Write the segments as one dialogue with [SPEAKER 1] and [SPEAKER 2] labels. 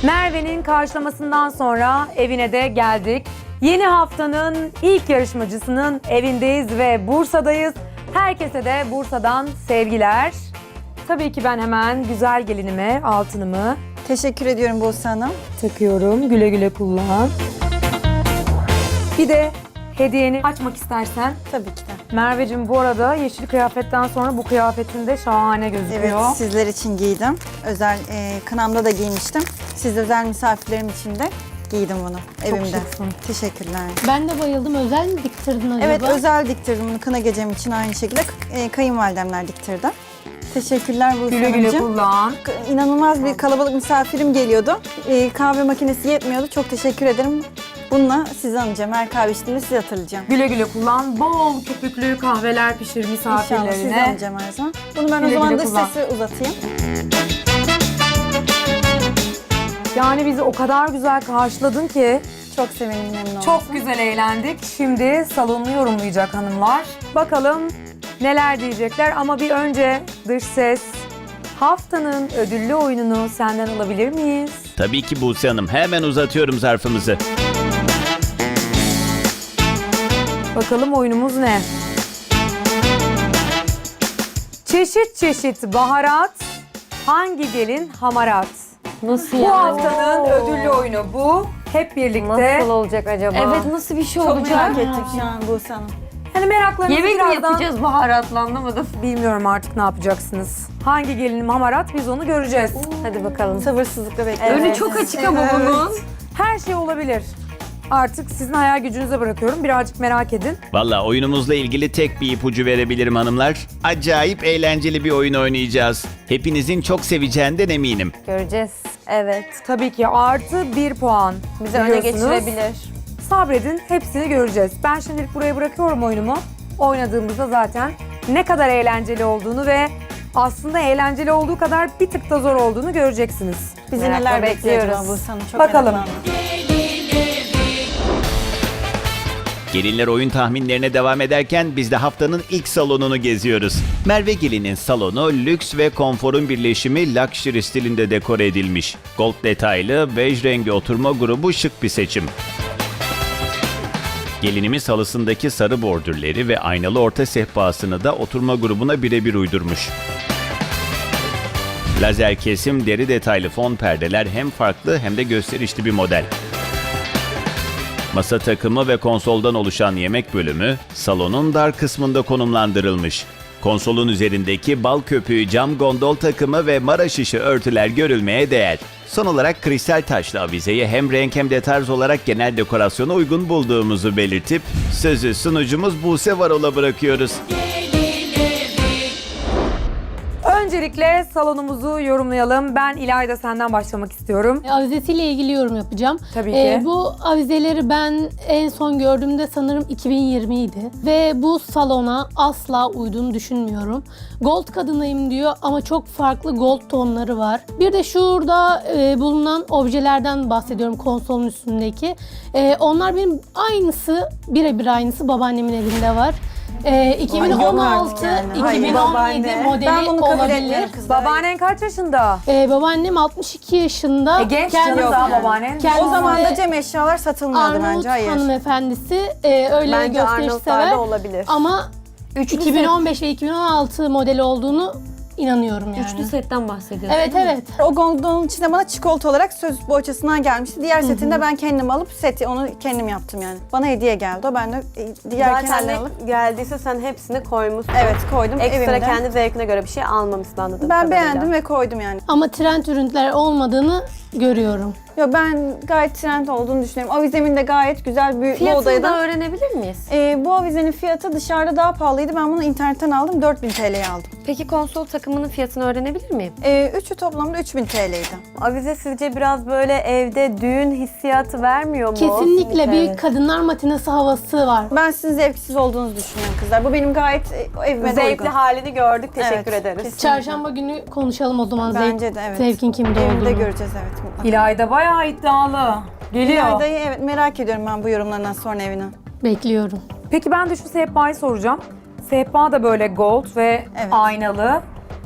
[SPEAKER 1] Merve'nin karşılamasından sonra evine de geldik. Yeni haftanın ilk yarışmacısının evindeyiz ve Bursa'dayız. Herkese de Bursa'dan sevgiler. Tabii ki ben hemen güzel gelinime altınımı
[SPEAKER 2] Teşekkür ediyorum Buse Hanım.
[SPEAKER 1] takıyorum. Güle güle kullan. Bir de hediyeni açmak istersen.
[SPEAKER 2] Tabii ki de.
[SPEAKER 1] Merveciğim, bu arada yeşil kıyafetten sonra bu kıyafetin de şahane gözüküyor.
[SPEAKER 2] Evet, sizler için giydim. Özel kınamda da giymiştim. Siz özel misafirlerim için de giydim bunu evimde.
[SPEAKER 1] şıksın.
[SPEAKER 2] Teşekkürler.
[SPEAKER 3] Ben de bayıldım. Özel mi diktirdin acaba?
[SPEAKER 2] Evet, özel diktirdim bunu kına gecem için aynı şekilde. Kayınvalidemler diktirdi. Teşekkürler Buse
[SPEAKER 1] Güle güle
[SPEAKER 2] Hanımcığım.
[SPEAKER 1] kullan.
[SPEAKER 2] İnanılmaz bir kalabalık misafirim geliyordu. Kahve makinesi yetmiyordu. Çok teşekkür ederim. Bununla sizi anacağım. Her kahve içtiğimde sizi hatırlayacağım.
[SPEAKER 1] Güle güle kullan. Bol köpüklü kahveler pişir
[SPEAKER 2] İnşallah sizi
[SPEAKER 1] misafirlerine.
[SPEAKER 2] anacağım her zaman. Bunu ben
[SPEAKER 1] Güle
[SPEAKER 2] o zaman
[SPEAKER 1] güle
[SPEAKER 2] dış
[SPEAKER 1] kullan.
[SPEAKER 2] sesi uzatayım.
[SPEAKER 1] Yani bizi o kadar güzel karşıladın ki
[SPEAKER 2] Çok sevindim, memnun oldum.
[SPEAKER 1] çok güzel eğlendik. Şimdi salonu yorumlayacak hanımlar. Bakalım neler diyecekler ama bir önce dış ses haftanın ödüllü oyununu senden alabilir miyiz?
[SPEAKER 4] Tabii ki Buse Hanım. Hemen uzatıyorum zarfımızı.
[SPEAKER 1] Bakalım oyunumuz ne? Çeşit çeşit baharat, hangi gelin hamarat?
[SPEAKER 5] Nasıl
[SPEAKER 1] Bu
[SPEAKER 5] yani?
[SPEAKER 1] haftanın ödüllü oyunu bu. Hep birlikte.
[SPEAKER 5] Nasıl olacak acaba?
[SPEAKER 3] Evet, nasıl bir şey
[SPEAKER 2] Çok
[SPEAKER 3] olacak?
[SPEAKER 2] merak ettim şu an Buse Hanım.
[SPEAKER 1] Hani meraklarınızı
[SPEAKER 5] Yemek mi
[SPEAKER 1] birazdan...
[SPEAKER 5] yapacağız baharatla, anlamadım.
[SPEAKER 1] Bilmiyorum artık ne yapacaksınız. Hangi gelinim hamarat biz onu göreceğiz.
[SPEAKER 5] Hadi bakalım.
[SPEAKER 2] Sabırsızlıkla bekliyorum.
[SPEAKER 5] Önü çok açık ama bunun.
[SPEAKER 1] Her şey olabilir. Artık sizin hayal gücünüze bırakıyorum. Birazcık merak edin.
[SPEAKER 4] Valla oyunumuzla ilgili tek bir ipucu verebilirim hanımlar. Acayip eğlenceli bir oyun oynayacağız. Hepinizin çok seveceğinden eminim.
[SPEAKER 5] Göreceğiz. Evet.
[SPEAKER 1] Tabii ki artı 1 puan.
[SPEAKER 5] Bizi öne
[SPEAKER 1] biliyorsunuz.
[SPEAKER 5] geçirebilir.
[SPEAKER 1] Sabredin, hepsini göreceğiz. Ben şimdilik buraya bırakıyorum oyunumu. Oynadığımızda zaten ne kadar eğlenceli olduğunu ve aslında eğlenceli olduğu kadar bir tık da zor olduğunu göreceksiniz.
[SPEAKER 2] Bizi
[SPEAKER 5] Merakla
[SPEAKER 2] neler bekliyor acaba
[SPEAKER 5] bekliyoruz.
[SPEAKER 2] Buse Hanım? Çok
[SPEAKER 1] Bakalım.
[SPEAKER 2] meraklandım.
[SPEAKER 4] Gelinler oyun tahminlerine devam ederken biz de haftanın ilk salonunu geziyoruz. Merve Gelin'in salonu lüks ve konforun birleşimi luxury stilinde dekore edilmiş. Gold detaylı, bej rengi oturma grubu şık bir seçim. Gelinimiz halısındaki sarı bordürleri ve aynalı orta sehpasını da oturma grubuna birebir uydurmuş. Lazer kesim, deri detaylı fon perdeler hem farklı hem de gösterişli bir model. Masa takımı ve konsoldan oluşan yemek bölümü salonun dar kısmında konumlandırılmış. Konsolun üzerindeki bal köpüğü cam gondol takımı ve mara şişi örtüler görülmeye değer. Son olarak kristal taşlı avizeyi hem renk hem de tarz olarak genel dekorasyona uygun bulduğumuzu belirtip sözü sunucumuz Buse Varol'a bırakıyoruz.
[SPEAKER 1] Öncelikle salonumuzu yorumlayalım. Ben İlayda senden başlamak istiyorum.
[SPEAKER 3] Avizesiyle ilgili yorum yapacağım.
[SPEAKER 1] Tabii ki.
[SPEAKER 3] Bu avizeleri ben en son gördüğümde sanırım 2020 idi. Ve bu salona asla uyduğunu düşünmüyorum. Gold kadınıyım diyor ama çok farklı gold tonları var. Bir de şurada bulunan objelerden bahsediyorum, konsolun üstündeki. Onlar benim aynısı, birebir aynısı babaannemin evinde var. 2016,
[SPEAKER 2] yani. Hayır,
[SPEAKER 3] 2017
[SPEAKER 2] babaanne.
[SPEAKER 3] modeli
[SPEAKER 2] Ben bunu kabul
[SPEAKER 3] olabilir.
[SPEAKER 2] etmiyorum kızlar.
[SPEAKER 1] Babaannen kaç yaşında?
[SPEAKER 3] Babaannem 62 yaşında.
[SPEAKER 1] Genç
[SPEAKER 3] Kendisi-
[SPEAKER 1] canım daha babaannen.
[SPEAKER 3] Kendisi
[SPEAKER 2] O zaman da
[SPEAKER 3] de
[SPEAKER 2] cam eşyalar satılmıyordu
[SPEAKER 3] Arnavut
[SPEAKER 2] bence. Hayır.
[SPEAKER 3] hanımefendisi, öyle
[SPEAKER 5] Bence
[SPEAKER 3] gösteriş
[SPEAKER 5] Arnavutlarda
[SPEAKER 3] sever.
[SPEAKER 5] olabilir.
[SPEAKER 3] Ama 2015 ve 2016 modeli olduğunu inanıyorum yani.
[SPEAKER 5] Üçlü setten bahsediyorsun.
[SPEAKER 3] Evet evet.
[SPEAKER 2] O gondolun içinde bana çikolata olarak söz bohçasından gelmişti. Diğer setini de ben kendim alıp seti onu kendim yaptım yani. Bana hediye geldi o, ben de diğer
[SPEAKER 6] Zaten
[SPEAKER 2] kendim
[SPEAKER 6] ne
[SPEAKER 2] alıp
[SPEAKER 6] geldiyse sen hepsini koymuşsun.
[SPEAKER 2] evet koydum
[SPEAKER 6] Ekstra
[SPEAKER 2] evimde.
[SPEAKER 6] kendi zevkine göre bir şey almamışsın anladığım
[SPEAKER 2] Ben
[SPEAKER 6] kadarıyla.
[SPEAKER 2] beğendim ve koydum yani.
[SPEAKER 3] Ama trend ürünler olmadığını görüyorum.
[SPEAKER 2] Yo, ben gayet trend olduğunu düşünüyorum. Avizemin de gayet güzel bir bu
[SPEAKER 5] Fiyatını
[SPEAKER 2] odaya
[SPEAKER 5] da
[SPEAKER 2] da.
[SPEAKER 5] öğrenebilir miyiz?
[SPEAKER 2] Bu avizenin fiyatı dışarıda daha pahalıydı. Ben bunu internetten aldım. 4000 TL'ye aldım.
[SPEAKER 5] Peki konsol takımının fiyatını öğrenebilir miyim?
[SPEAKER 2] Üçü toplamda 3000 TL'ydi.
[SPEAKER 6] Avize sizce biraz böyle evde düğün hissiyatı vermiyor mu?
[SPEAKER 3] Kesinlikle bir kadınlar matinesi havası var.
[SPEAKER 2] Ben sizin zevksiz olduğunuzu düşünüyorum kızlar. Bu benim gayet evime de
[SPEAKER 6] Zevkli
[SPEAKER 2] uygun.
[SPEAKER 6] halini gördük. Teşekkür
[SPEAKER 2] Evet,
[SPEAKER 6] ederiz.
[SPEAKER 2] kesinlikle.
[SPEAKER 3] Çarşamba günü konuşalım o zaman.
[SPEAKER 2] Bence de evet.
[SPEAKER 3] Zevkin kimde
[SPEAKER 2] Evimde
[SPEAKER 3] olduğunu.
[SPEAKER 2] göreceğiz evet. mutlaka.
[SPEAKER 1] İlayda bayağı iddialı. Geliyor.
[SPEAKER 2] İlayda'yı evet merak ediyorum ben bu yorumlarından sonra evine.
[SPEAKER 3] Bekliyorum.
[SPEAKER 1] Peki ben de şu sehpayı soracağım. Sehpa da böyle gold ve
[SPEAKER 2] Evet.
[SPEAKER 1] aynalı.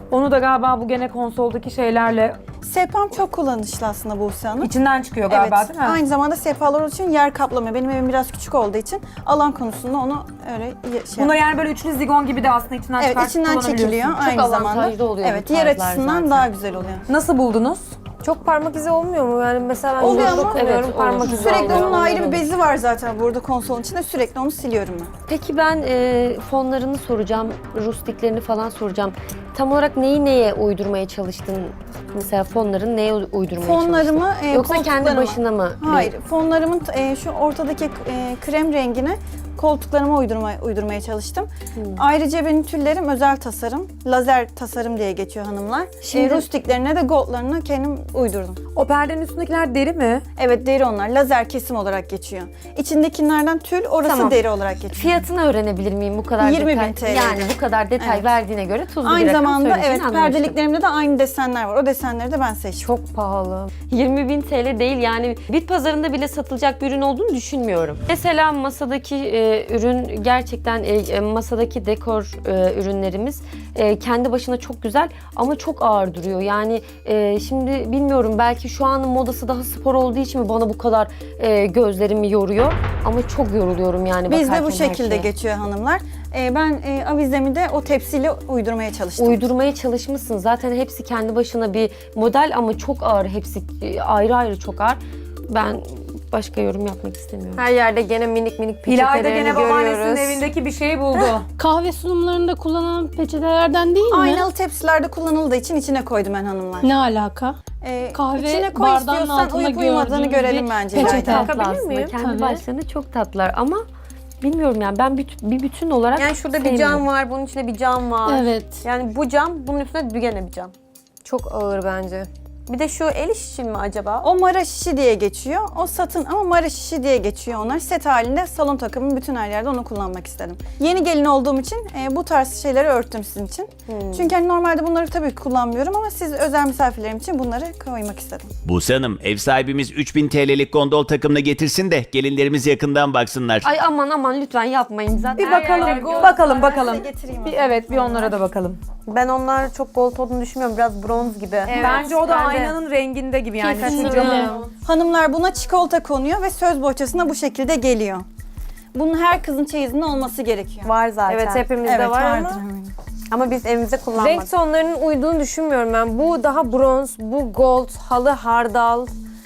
[SPEAKER 1] Onu da galiba bu gene konsoldaki şeylerle
[SPEAKER 2] Sehpam çok kullanışlı aslında Buse Hanım.
[SPEAKER 1] içinden çıkıyor galiba
[SPEAKER 2] Evet,
[SPEAKER 1] değil mi?
[SPEAKER 2] aynı zamanda sehpalar olduğu için yer kaplamıyor. Benim evim biraz küçük olduğu için alan konusunda onu öyle
[SPEAKER 1] Bunlar yani böyle üçlü zigon gibi de aslında içinden
[SPEAKER 2] Evet,
[SPEAKER 1] çıkartıp
[SPEAKER 2] içinden çekiliyor
[SPEAKER 1] kullanabiliyorsun.
[SPEAKER 2] aynı zamanda.
[SPEAKER 5] avantajlı oluyor bu
[SPEAKER 2] Evet, yer
[SPEAKER 5] tarzlar
[SPEAKER 2] açısından
[SPEAKER 5] zaten.
[SPEAKER 2] daha güzel oluyor.
[SPEAKER 1] Nasıl buldunuz?
[SPEAKER 6] Çok parmak izi olmuyor mu? Yani mesela ben
[SPEAKER 2] Oluyor
[SPEAKER 6] zorda
[SPEAKER 2] ama
[SPEAKER 6] kullanıyorum,
[SPEAKER 5] evet,
[SPEAKER 6] parmak
[SPEAKER 5] olur.
[SPEAKER 6] izi
[SPEAKER 2] Sürekli
[SPEAKER 6] oluyor.
[SPEAKER 2] onun ayrı bir
[SPEAKER 5] olur.
[SPEAKER 2] bezi var zaten burada konsolun içinde. Sürekli onu siliyorum ben.
[SPEAKER 5] Peki ben fonlarını soracağım, rustiklerini falan soracağım. Tam olarak neyi neye uydurmaya çalıştın? Mesela fonların neye uydurmaya
[SPEAKER 2] Fonlarımı,
[SPEAKER 5] çalıştın? Yoksa kendi
[SPEAKER 2] koltuklarıma-
[SPEAKER 5] başına mı?
[SPEAKER 2] Hayır, fonlarımın şu ortadaki krem rengini koltuklarıma uydurmaya çalıştım. Ayrıca benim tüllerim özel tasarım, lazer tasarım diye geçiyor hanımlar.
[SPEAKER 5] Şimdi-
[SPEAKER 2] Rustiklerine de goldlarını kendim uydurdum.
[SPEAKER 1] O perdenin üstündekiler deri mi?
[SPEAKER 2] Evet, deri onlar. Lazer kesim olarak geçiyor. İçindekilerden tül, orası
[SPEAKER 5] Tamam.
[SPEAKER 2] deri olarak geçiyor.
[SPEAKER 5] Fiyatını öğrenebilir miyim bu kadar
[SPEAKER 2] 20.000
[SPEAKER 5] detay?
[SPEAKER 2] TL.
[SPEAKER 5] Yani bu kadar detay
[SPEAKER 2] Evet.
[SPEAKER 5] verdiğine göre tuzlu bir
[SPEAKER 2] Aynı
[SPEAKER 5] rakam
[SPEAKER 2] zamanda
[SPEAKER 5] söyleyeceğini
[SPEAKER 2] evet,
[SPEAKER 5] anlamıştım.
[SPEAKER 2] perdeliklerimde de aynı desenler var. O desenleri de ben seçtim.
[SPEAKER 5] Çok pahalı. 20.000 TL değil yani bit pazarında bile satılacak bir ürün olduğunu düşünmüyorum. Mesela masadaki ürün gerçekten masadaki dekor ürünlerimiz kendi başına çok güzel ama çok ağır duruyor. Yani şimdi bilmiyorum belki şu an modası daha spor olduğu için mi bana bu kadar gözlerimi yoruyor ama çok yoruluyorum yani
[SPEAKER 2] Bizde
[SPEAKER 5] bakarken
[SPEAKER 2] bu
[SPEAKER 5] her
[SPEAKER 2] şekilde
[SPEAKER 5] şeye.
[SPEAKER 2] geçiyor hanımlar. Ben avizemi de o tepsiyle uydurmaya çalıştım.
[SPEAKER 5] Uydurmaya çalışmışsın. Zaten hepsi kendi başına bir model ama çok ağır. Hepsi ayrı ayrı çok ağır. Ben başka yorum yapmak istemiyorum.
[SPEAKER 6] Her yerde gene minik minik
[SPEAKER 1] İlayda
[SPEAKER 6] peçetelerini
[SPEAKER 1] gene babaannesinin
[SPEAKER 6] görüyoruz.
[SPEAKER 1] evindeki bir şeyi buldu.
[SPEAKER 3] Kahve sunumlarında kullanılan peçetelerden değil mi?
[SPEAKER 2] Aynalı tepsilerde kullanıldığı için içine koydum ben hanımlar.
[SPEAKER 3] Ne alaka? Kahve
[SPEAKER 2] içine koy
[SPEAKER 3] bardağının
[SPEAKER 2] istiyorsan
[SPEAKER 3] altında
[SPEAKER 2] uyup uyumadığını
[SPEAKER 3] gördüğümüz
[SPEAKER 2] görelim
[SPEAKER 3] bir
[SPEAKER 2] bence.
[SPEAKER 3] peçete.
[SPEAKER 2] İlayda.
[SPEAKER 5] Tatlı
[SPEAKER 6] Bakabilir
[SPEAKER 5] aslında.
[SPEAKER 6] miyim?
[SPEAKER 5] Kendi
[SPEAKER 3] Tabii.
[SPEAKER 5] başlarına çok tatlılar ama bilmiyorum yani ben bir bütün olarak
[SPEAKER 6] Yani şurada bir
[SPEAKER 5] sevmiyorum.
[SPEAKER 6] cam var, bunun içinde bir cam var.
[SPEAKER 3] Evet.
[SPEAKER 6] Yani bu cam, bunun üstünde gene bir cam. Çok ağır bence. Bir de şu el işi için mi acaba?
[SPEAKER 2] O mara şişi diye geçiyor. O satın ama mara şişi diye geçiyor onlar. Set halinde salon takımı bütün her yerde onu kullanmak istedim. Yeni gelin olduğum için bu tarz şeyleri örttüm sizin için. Çünkü hani normalde bunları tabii ki kullanmıyorum ama siz özel misafirlerim için bunları koymak istedim.
[SPEAKER 4] Buse Hanım, ev sahibimiz 3000 TL'lik gondol takımını getirsin de gelinlerimiz yakından baksınlar.
[SPEAKER 5] Ay aman lütfen yapmayın zaten.
[SPEAKER 1] Bir bakalım, bakalım.
[SPEAKER 2] Size getireyim.
[SPEAKER 1] Bir, evet, bir onlara da bakalım.
[SPEAKER 6] Ben onlar çok gold olduğunu düşünmüyorum. Biraz bronz gibi.
[SPEAKER 1] Bence o da
[SPEAKER 6] ben de.
[SPEAKER 1] aynanın renginde gibi yani. Şu
[SPEAKER 6] Kesinlikle.
[SPEAKER 1] camın.
[SPEAKER 2] Hanımlar buna çikolata konuyor ve söz bohçasına bu şekilde geliyor. Bunun her kızın çeyizinde olması gerekiyor.
[SPEAKER 6] Var zaten. Evet hepimizde
[SPEAKER 2] Evet,
[SPEAKER 6] var
[SPEAKER 2] vardır.
[SPEAKER 6] ama biz evimizde kullanmadık.
[SPEAKER 7] Renk tonlarının uyduğunu düşünmüyorum ben. Bu daha bronz, bu gold, halı hardal.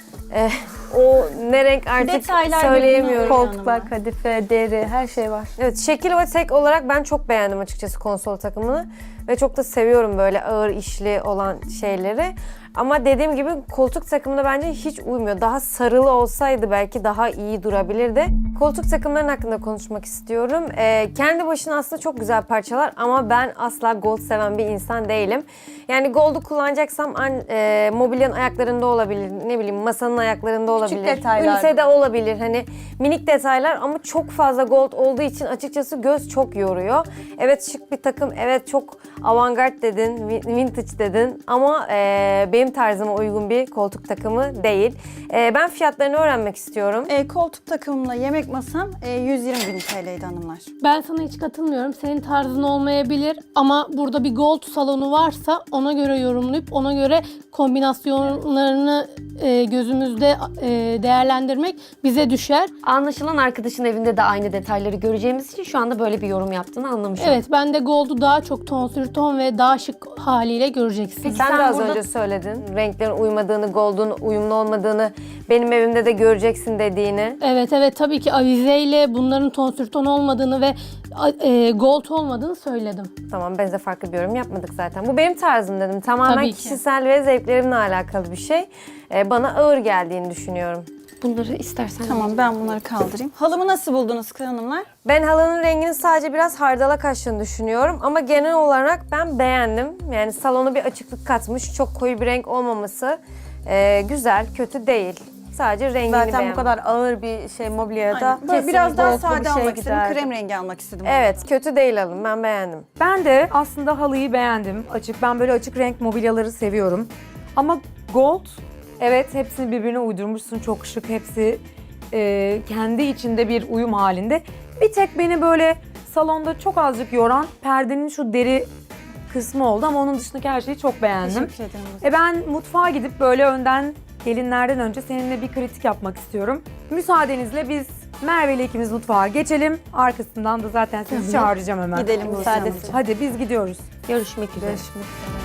[SPEAKER 7] O ne renk artık
[SPEAKER 2] Detaylar
[SPEAKER 7] söyleyemiyorum.
[SPEAKER 2] birbirine
[SPEAKER 6] Koltuklar, kadife, deri, her şey var.
[SPEAKER 7] Evet, şekil ve tek olarak ben çok beğendim açıkçası konsol takımını. Ve çok da seviyorum böyle ağır işli olan şeyleri. Ama dediğim gibi koltuk takımına bence hiç uymuyor. Daha sarılı olsaydı belki daha iyi durabilirdi. Koltuk takımların hakkında konuşmak istiyorum. Kendi başına aslında çok güzel parçalar ama ben asla gold seven bir insan değilim. Yani gold'u kullanacaksam mobilyanın ayaklarında olabilir, ne bileyim masanın ayaklarında olabilir.
[SPEAKER 6] detaylar.
[SPEAKER 7] Ünitede olabilir. Hani minik detaylar ama çok fazla gold olduğu için açıkçası göz çok yoruyor. Evet şık bir takım, evet çok avantgard dedin, vintage dedin ama benim tarzıma uygun bir koltuk takımı değil. Ben fiyatlarını öğrenmek istiyorum.
[SPEAKER 2] Koltuk takımımla yemek masam 120.000 TL'ydi hanımlar.
[SPEAKER 3] Ben sana hiç katılmıyorum. Senin tarzın olmayabilir ama burada bir gold salonu varsa ona göre yorumlayıp ona göre kombinasyonlarını gözümüzde değerlendirmek bize düşer.
[SPEAKER 5] Anlaşılan arkadaşın evinde de aynı detayları göreceğimiz için şu anda böyle bir yorum yaptığını anlamışım.
[SPEAKER 3] Evet, ben de gold'u daha çok tonsür ton ve daha şık haliyle göreceksin.
[SPEAKER 7] Sen de
[SPEAKER 5] sen
[SPEAKER 7] az
[SPEAKER 5] burada-
[SPEAKER 7] önce söyledin. Renklerin uymadığını, gold'un uyumlu olmadığını, benim evimde de göreceksin dediğini.
[SPEAKER 3] Evet tabii ki avizeyle bunların tonsür ton olmadığını ve gold olmadığını söyledim.
[SPEAKER 7] Tamam, biz de farklı bir yorum yapmadık zaten. Bu benim tarzım dedim. Tamamen
[SPEAKER 3] Tabii ki.
[SPEAKER 7] kişisel ve zevklerimle alakalı bir şey. Bana ağır geldiğini düşünüyorum.
[SPEAKER 5] Bunları istersen
[SPEAKER 2] Tamam, ben bunları kaldırayım. Halımı nasıl buldunuz hanımlar?
[SPEAKER 7] Ben halının rengini sadece biraz hardala kaçtığını düşünüyorum ama genel olarak ben beğendim. Yani salona bir açıklık katmış, çok koyu bir renk olmaması güzel, kötü değil. Sadece rengini
[SPEAKER 6] Zaten
[SPEAKER 7] beğendim.
[SPEAKER 6] bu kadar ağır bir şey mobilyada
[SPEAKER 2] Aynen. Böyle biraz
[SPEAKER 6] kesinlikle
[SPEAKER 2] daha
[SPEAKER 6] goldlu bir
[SPEAKER 2] sade
[SPEAKER 6] şey
[SPEAKER 2] almak istedim.
[SPEAKER 6] giderdi.
[SPEAKER 2] Krem rengi almak istedim.
[SPEAKER 7] Evet, kötü değil halım. Ben beğendim.
[SPEAKER 1] Ben de aslında halıyı beğendim. Açık. Ben böyle açık renk mobilyaları seviyorum. Ama gold, evet hepsini birbirine uydurmuşsun. Çok şık. Hepsi kendi içinde bir uyum halinde. Bir tek beni böyle salonda çok azıcık yoran perdenin şu deri kısmı oldu ama onun dışındaki her şeyi çok beğendim.
[SPEAKER 2] Teşekkür ederim.
[SPEAKER 1] Ben mutfağa gidip böyle önden gelinlerden önce seninle bir kritik yapmak istiyorum. Müsaadenizle biz Merve ile ikimiz mutfağa geçelim. Arkasından da zaten sizi çağıracağım hemen.
[SPEAKER 2] Gidelim müsaade.
[SPEAKER 1] Hadi biz gidiyoruz.
[SPEAKER 5] Görüşmek üzere.
[SPEAKER 7] Görüşmek üzere.